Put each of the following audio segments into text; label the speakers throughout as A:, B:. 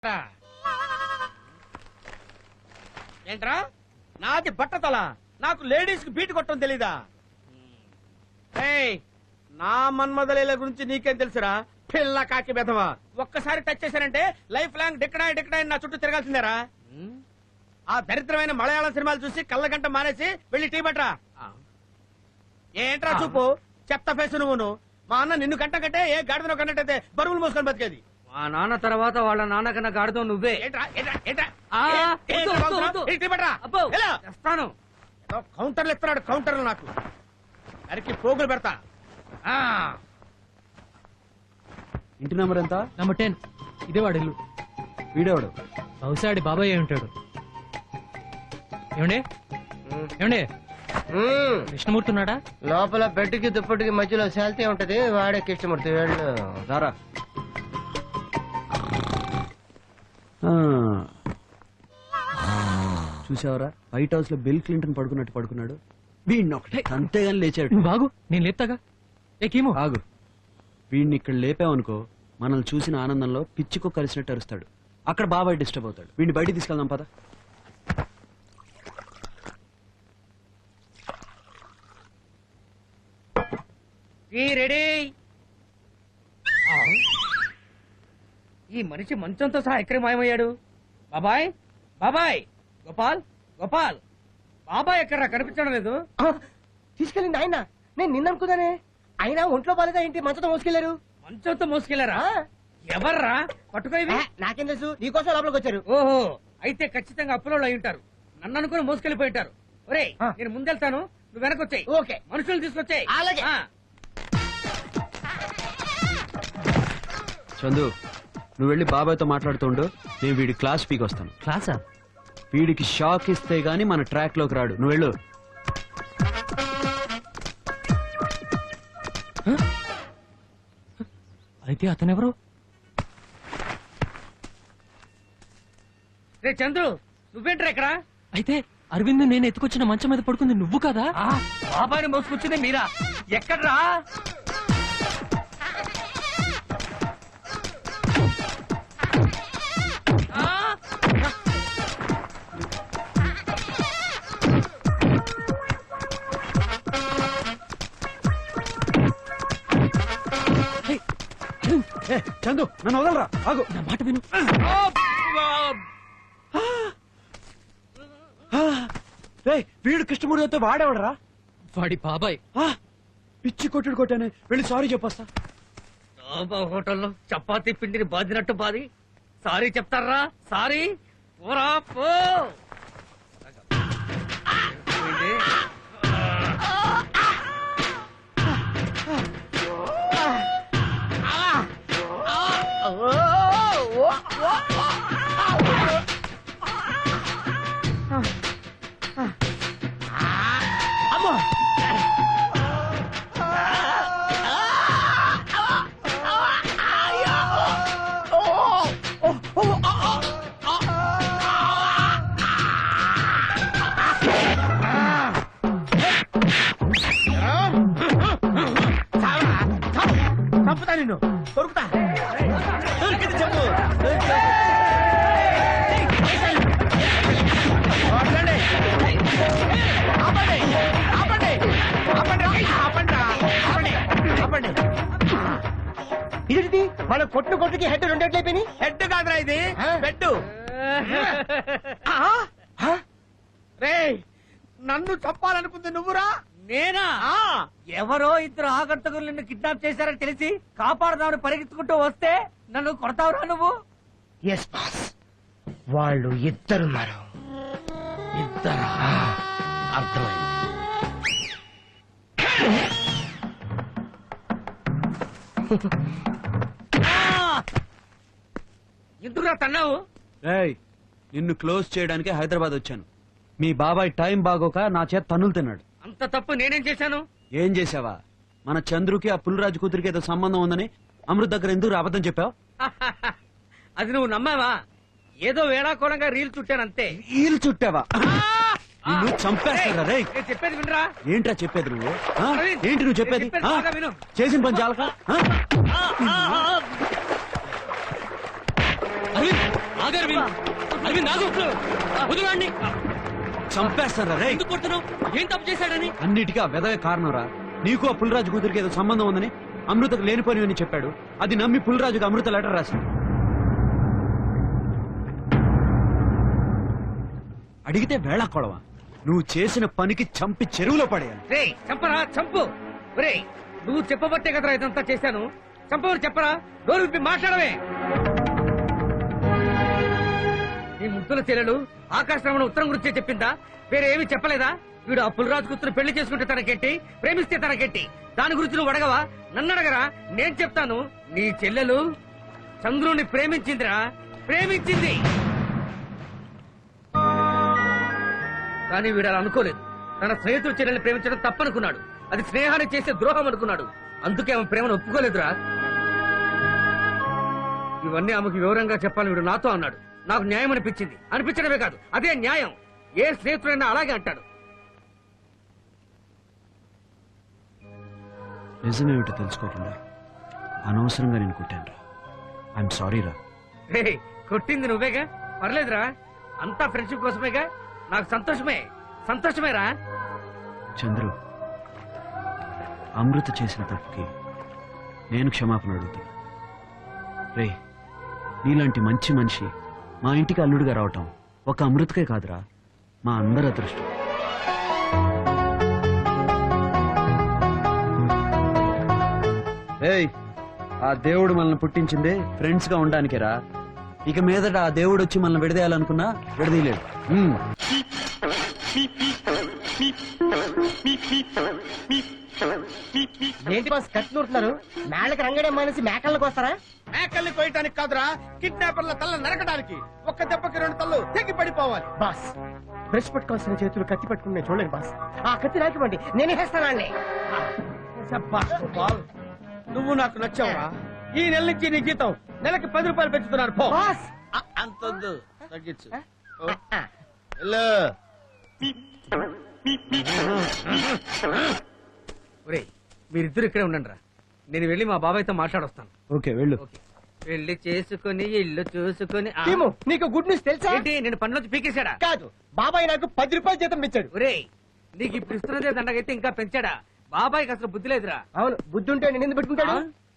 A: ఏంట్రా నాది బట్టతల నాకు లేడీస్ కి బీట్ కొట్టడం తెలీదా? నా మన్మదలీల గురించి నీకేం తెలుసురా పిల్ల కాకి బెదవా. ఒక్కసారి టచ్ చేశానంటే లైఫ్ లాంగ్ డిక్కడాయి నా చుట్టూ తిరగాల్సిందేరా. ఆ దరిద్రమైన మలయాళం సినిమాలు చూసి కళ్ళగంట మానేసి వెళ్ళి టీ పట్రా. ఏంట్రా చూపు చెత్త ఫేసు నువ్వును. మా అన్న నిన్ను కంట కంటే ఏ గాడిదనో కన్నట్టయితే బరువులు మోసుకొని బతికేది.
B: మా నాన్న తర్వాత వాళ్ళ నాన్న కన్నా గాడితో నువ్వే.
A: కౌంటర్లు ఇస్తున్నాడు కౌంటర్లు నాకు అరికి పోగులు పెడతా.
C: ఇంటి నెంబర్ ఎంత?
D: నెంబర్ 10. ఇదే వాడు ఇల్లు.
C: వీడేవాడు
D: బహుశా ఆడి బాబాయ్ అయి ఉంటాడు. ఏమండి ఏమండి కృష్ణమూర్తి ఉన్నాడా?
B: లోపల బెడ్కి దుప్పటికి మధ్యలో శాల్తీ ఉంటది, వాడే కృష్ణమూర్తి. వెళ్ళు
C: రారా. చూసావరా వైట్ హౌస్ లో బిల్ క్లింటన్ పడుకున్నట్టు పడుకున్నాడు. వీడిని ఒకటే అంతేగాని లేచాడు.
D: నువ్వు బాగు నేను లేపుతాగా. ఏమో
C: ఆగు. వీడిని ఇక్కడ లేపావనుకో మనల్ని చూసిన ఆనందంలో పిచ్చికో కలిసినట్టు అరుస్తాడు. అక్కడ బాబాయ్ డిస్టర్బ్ అవుతాడు. వీడిని బయటికి తీసుకెళ్దాం పద.
B: రెడీ. ఈ మనిషి మంచంతో సహా ఎక్కడి మాయమయ్యాడు? బాబాయ్ బాబాయ్ గోపాల్ గోపాల్ బాబాయ్ ఎక్కడ్రా కనిపించడం లేదు.
E: తీసుకెళ్ళింది ఆయన. నేను నిన్న అనుకున్నానే. అయినా ఒంట్లో బాలేదా ఏంటి మంచంతో మోసుకెళ్లారు?
B: మంచంతో మోసుకెళ్లారా? ఎవర్రా పట్టుకోవి?
E: నాకేం తెలుసు, నీకోసం లోపలికి వచ్చారు.
B: ఓహో, అయితే ఖచ్చితంగా అప్పులో అయి ఉంటారు. నన్ను అనుకుని మోసుకెళ్లిపోయి ఉంటారు. ఒరే నేను ముందెళ్తాను, నువ్వు వెనకొచ్చాయి.
E: ఓకే,
B: మనుషులు తీసుకొచ్చాయి.
E: అలాగే.
C: చందు నువ్వు వెళ్ళి బాబాయ్తో మాట్లాడుతుండు. నేను వీడి క్లాస్ పీకి వస్తాను.
D: క్లాసా?
C: వీడికి షాక్ ఇస్తే గానీ మన ట్రాక్ లోకి రాడు. నువ్వు వెళ్ళు.
D: అయితే అతనెవరు?
B: రే చంద్రు, నువ్వేంట్రా ఇక్కడ?
D: అయితే అరవింద్ నేను ఎత్తుకొచ్చిన మంచం మీద పడుకుంది నువ్వు కదా?
B: బాబాయ్ని మోసుకొచ్చింది మీరా? ఎక్కడ్రా?
C: చందు నన్ను వదలరా. ఆగు.
D: నా మాట విను.
C: వీడు కృష్ణమూర్తితో వాడేవాడరా?
D: వాడి బాబాయ్.
C: పిచ్చి కొట్టుడు కొట్టానే. వెళ్ళి సారీ చెప్పొస్తా.
B: హోటల్లో చపాతీ పిండిని బాదినట్టు బాది సారీ చెప్తారా? సారీ పోరా పో.
A: చంపుతా నిన్ను. దొరుకుతా దొరికింది చెప్పు.
E: ఇదేంటి మన కొట్టు కొట్టుకి హెడ్ రెండేట్లయిపోయి?
A: హెడ్ కాదురా ఇది పెట్టు. రే నన్ను చంపాలనుకుంది నువ్వురా?
B: నేనా? ఎవరో ఇద్దరు ఆగంతకులు నిన్ను కిడ్నాప్ చేశారని తెలిసి కాపాడదామని పరిగెత్తుకుంటూ వస్తే నన్ను కొడతావురా నువ్వు?
E: ఎస్ బాస్, వాళ్ళు ఇద్దరున్నారు.
B: ఇద్దరా?
E: అర్థమైంది.
B: ఎందుకురా తన్నావు?
C: నిన్ను క్లోజ్ చేయడానికి హైదరాబాద్ వచ్చాను. మీ బాబాయ్ టైం బాగోక నా చేత తన్నులు తిన్నాడు.
B: అంత తప్పు నేనేం చేశాను?
C: ఏం చేసావా? మన చంద్రుకి ఆ పులిరాజు కూతురికి ఏదో సంబంధం ఉందని అమృత్ దగ్గర ఎందుకు అబద్ధం చెప్పావు?
B: అది నువ్వు నమ్మావా? ఏదో వేళాకోళంగా రీల్ చుట్టానంతే.
C: రీల్ చుట్టావా? నువ్వు చంపేస్తారా? రే
B: నేను చెప్పేది వినరా?
C: ఏంట్రా చెప్పేది నువ్వు? ఏంటి నువ్వు చెప్పేది?
B: విను.
C: చేసిన పని చాలక
D: అరవింద్ ఆగు అరవింద్. అరవింద్ ఆగు. వదలండి.
C: చంపేస్తారా రే?
D: ఎందుకు కొడుతున్నావు? ఏం తప్పు చేశాడని?
C: అన్నిటికీ ఆ వెదవే కారణం రా. నీకు ఆ పుల్రాజు కూతురికి ఏదో సంబంధం ఉందని అమృతకు లేనిపోని చెప్పాడు. అది నమ్మి పుల్రాజుకి అమృత లెటర్ రాసింది. అడిగితే వేళ కొడవా. నువ్వు చేసిన పనికి చంపి చెరువులో పడేయాలి.
B: రే చంపరా చంపు. రే నువ్వు చెప్పబట్టే కదరా ఇదంతా చేశాను. చంపవని చెప్పరా. నోరు విప్పి మాట్లాడవే. నీ ముద్దుల చెల్లెలు ఆకాశరమణ ఉత్తరం గురించే చెప్పిందా? వేరే ఏమీ చెప్పలేదా? వీడు ఆ పులిరాజు కూతురు పెళ్లి చేసుకుంటే తనకెట్టి, ప్రేమిస్తే తనకెట్టి. దాని గురించి నువ్వు అడగవా? నన్ను అడగరా. నేను చెప్తాను. నీ చెల్లెలు చంద్రుని ప్రేమించిందిరా, ప్రేమించింది. కానీ వీడు అలా అనుకోలేదు. తన స్నేహితుడు చెల్లెల్ని ప్రేమించడం తప్పనుకున్నాడు. అది స్నేహాన్ని చేసే ద్రోహం అనుకున్నాడు. అందుకే ఆమె ప్రేమను ఒప్పుకోలేదురా. ఇవన్నీ ఆమెకు వివరంగా చెప్పాలని వీడు నాతో అన్నాడు. నాకు న్యాయం అనిపించింది. అనిపించడమే కాదు, అదే న్యాయం. ఏ స్నేహితుడైనా అలాగే అంటాడు.
C: నిజమేమిటో తెలుసుకోకుండా అనవసరంగా నేను కొట్టాను రా. ఐఎమ్ సారీ రా.
B: రే కొట్టింది నువ్వేగా, పర్లేదురా. అంతా ఫ్రెండ్షిప్ కోసమేగా. నాకు సంతోషమే, సంతోషమేరా.
C: చంద్రు, అమృత చేసిన తప్పుకి నేను క్షమాపణ అడుగుతాను. రే, నీలాంటి మంచి మనిషి మా ఇంటికి అల్లుడిగా రావటం ఒక అమృతకే కాదురా, మా అందరి అదృష్టం. ఏయ్, ఆ దేవుడు మనల్ని పుట్టించిందే ఫ్రెండ్స్ గా ఉండడానికేరా. ఇక మీదట ఆ దేవుడు వచ్చి మనల్ని విడదీయాలనుకున్నా విడదీయలేడు.
E: ఏంటి బాస్ కత్తి నూరుతున్నారు? మేళ్ళకి రంగడే మానేసి మేకల్లోకి వస్తారా?
A: మేకల్ని కోయటానికి కాదురా, కిడ్నాపర్ల తల్ల నరకడానికి. ఒక్క దెబ్బకి 2 తల్లు తెగి పడిపోవాలి.
E: బాస్ బ్రష్ పట్టుకోవాల్సిన చేతులు కత్తి పట్టుకుని నేను చూడలేను బాస్. ఆ కత్తి రాకివ్వండి, నేనే వేస్తానండి.
A: నువ్వు నాకు నచ్చావురా. ఈ నెల నుంచి నీ జీతం నెలకి 10 రూపాయలు పెంచుతున్నారు. పో.
E: బాస్
A: అంతొద్దు, తగ్గించు.
B: ఒరేయ్ మీరిద్దరు ఇక్కడే ఉండండి రా. నేను వెళ్ళి మా బాబాయ్తో మాట్లాడొస్తాను.
C: ఓకే, వెళ్ళు.
B: ఓకే. పెళ్లి చేసుకుని ఇల్లు చూసుకుని
E: టీము, నీకు గుడ్ న్యూస్ తెలుసా?
B: ఏంటి నేను పనిలోంచి పీకేశాడా?
E: కాదు, బాబాయ్ నాకు 10 రూపాయలు జీతం ఇచ్చాడు.
B: ఒరేయ్ నీకు ఇప్పుడు ఇస్తున్నదే దండగైతే ఇంకా పెంచాడా? బాబాయ్కి అసలు బుద్ధి లేదురా.
E: అవును, బుద్ధి ఉంటే నేను ఎందుకు పెట్టుకుంటాడు?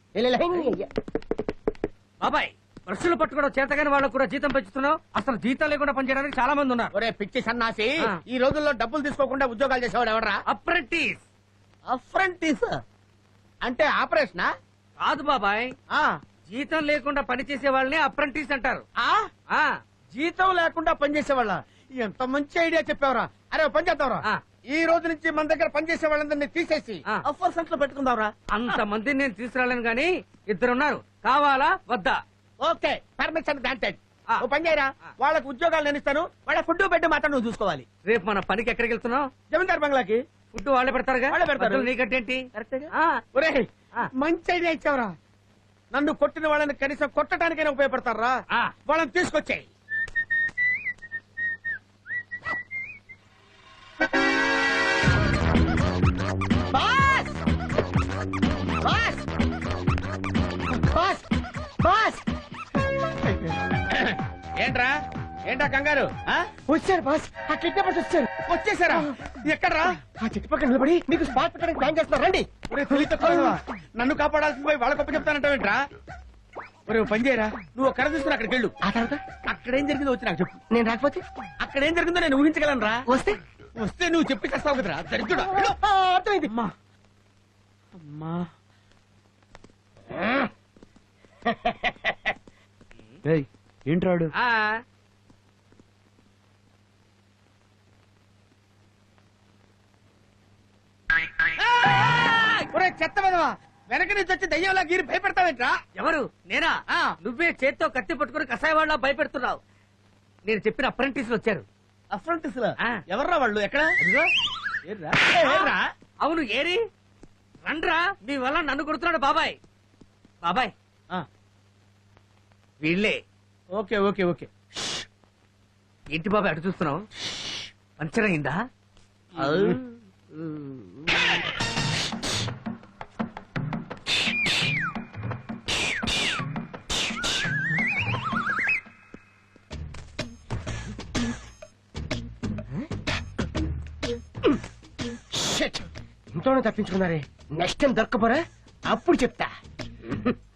B: బాబాయ్ బ్రష్లు పట్టుకోవడం చేతగాని వాళ్ళకు కూడా జీతం పెంచుతున్నావు. అసలు జీతం లేకుండా పనిచేయడానికి చాలా మంది ఉన్నారు.
A: ఒరే పిచ్చి సన్నాసి,
B: ఆ.
A: ఈ రోజుల్లో డబ్బులు తీసుకోకుండా ఉద్యోగాలు చేసేవాడు ఎవడరా?
B: అప్రెంటిస్.
A: అప్రెంటిస్ అంటే ఆపరేషనా?
B: కాదు బాబాయ్,
A: ఆ.
B: జీతం లేకుండా పనిచేసే వాళ్ళని అప్రెంటిస్ అంటారు.
A: ఆ?
B: ఆ
A: జీతం లేకుండా పనిచేసేవాళ్ళ? ఎంత మంచి ఐడియా చెప్పావురా. అరే ఓ పని చేద్దాంరా,
B: ఆ.
A: ఈ రోజు నుంచి మన దగ్గర పనిచేసే వాళ్ళందరినీ తీసేసి
B: ఆ.
A: అఫర్ సెంటర్ లో పెట్టుకుందాంరా.
B: అంత మందిని నేను తీసుకురాలేను గాని ఇద్దరున్నారు. కావాలా వద్దా?
A: Okay, permission granted.
B: ఆ.
A: ఓ పని చేయరా,
B: ఆ.
A: వాళ్ళకు ఉద్యోగాలు నేను ఇస్తాను. వాళ్ళ ఫుడ్ బెడ్ మాత్రం నువ్వు చూసుకోవాలి.
B: రేపు మన పనికి ఎక్కడికి వెళ్తున్నావు?
A: జమీందార్ బంగ్లాకి.
B: ఫుడ్ వాళ్ళే పెడతారుగా.
A: వాళ్ళే పెడతారు.
B: మధ్యలో నీకంటేంటి? ఆ.
A: ఒరేయ్,
B: ఆ.
A: మంచి ఐడియా ఇచ్చావురా. నన్ను కొట్టిన వాళ్ళని కనీసం కొట్టడానికైనా ఉపయోగపడతారా?
B: ఆ.
A: వాళ్ళని తీసుకొచ్చాయి.
E: బాస్ బాస్ బాస్ బాస్
A: ఏంట్రా, ఏంటా కంగారు? ఆ?
E: వచ్చారు బాస్, ఆ కిడ్నాపర్స్ వచ్చారు.
A: వచ్చేసారా? ఎక్కడ్రా?
E: ఆ చెట్టు పక్కన నిలబడి మీకు స్పాట్ పెట్టడానికి ప్లాన్ చేస్తున్నారు. రండి.
A: ఒరే తెలివి తక్కువ, నన్ను కాపాడాల్సింది పోయి వాళ్ళ గొప్ప చెప్తానంటావేంట్రా? ఒరే ఓ పని చేయరా, నువ్వు ఒక కర్ర తీసుకుని అక్కడికి వెళ్ళు.
E: ఆ తర్వాత
A: అక్కడేం జరిగిందో వచ్చి నాకు చెప్పు.
E: నేను రాకపోతే
A: అక్కడేం జరిగిందో నేను ఊహించగలను రా.
E: వస్తే
A: వస్తే నువ్వు చెప్పి చేస్తావు కదరా దరిద్రుడా. వెళ్ళు.
E: అర్థమైంది.
A: అమ్మా అమ్మా.
C: ఏయ్, ఏంట్రాడు?
B: ఆ.
A: ఒరే చెత్త విధవా, వెనక నుంచి వచ్చి దయ్యంలా గీరి భయపెడతావేంట్రా?
B: ఎవరు? నేనా?
A: ఆ.
B: నువ్వే చేత్తో కత్తి పట్టుకుని కషాయ వాళ్ళ భయపెడుతున్నావు. నేను చెప్పిన అప్రెంటిస్లు వచ్చారు.
A: అఫ్రంటిస్
B: ఆ.
A: ఎవర్రా వాళ్ళు? ఎక్కడ?
B: అదిగో.
A: ఏర్రా?
B: అవును ఏరి రండ్రా. మీ వల్ల నన్ను కొడుతున్నాడు బాబాయ్. బాబాయ్
A: ఆ.
B: వీళ్ళే.
A: Okay okay okay.
B: ఏంటి బాబాయ్ అటు చూస్తున్నావు? పంచర్ అయిందా?
E: షిట్. ఇంట్లోనే తప్పించుకున్నారే. నెక్స్ట్ టైం దొరకపోరా, అప్పుడు చెప్తా.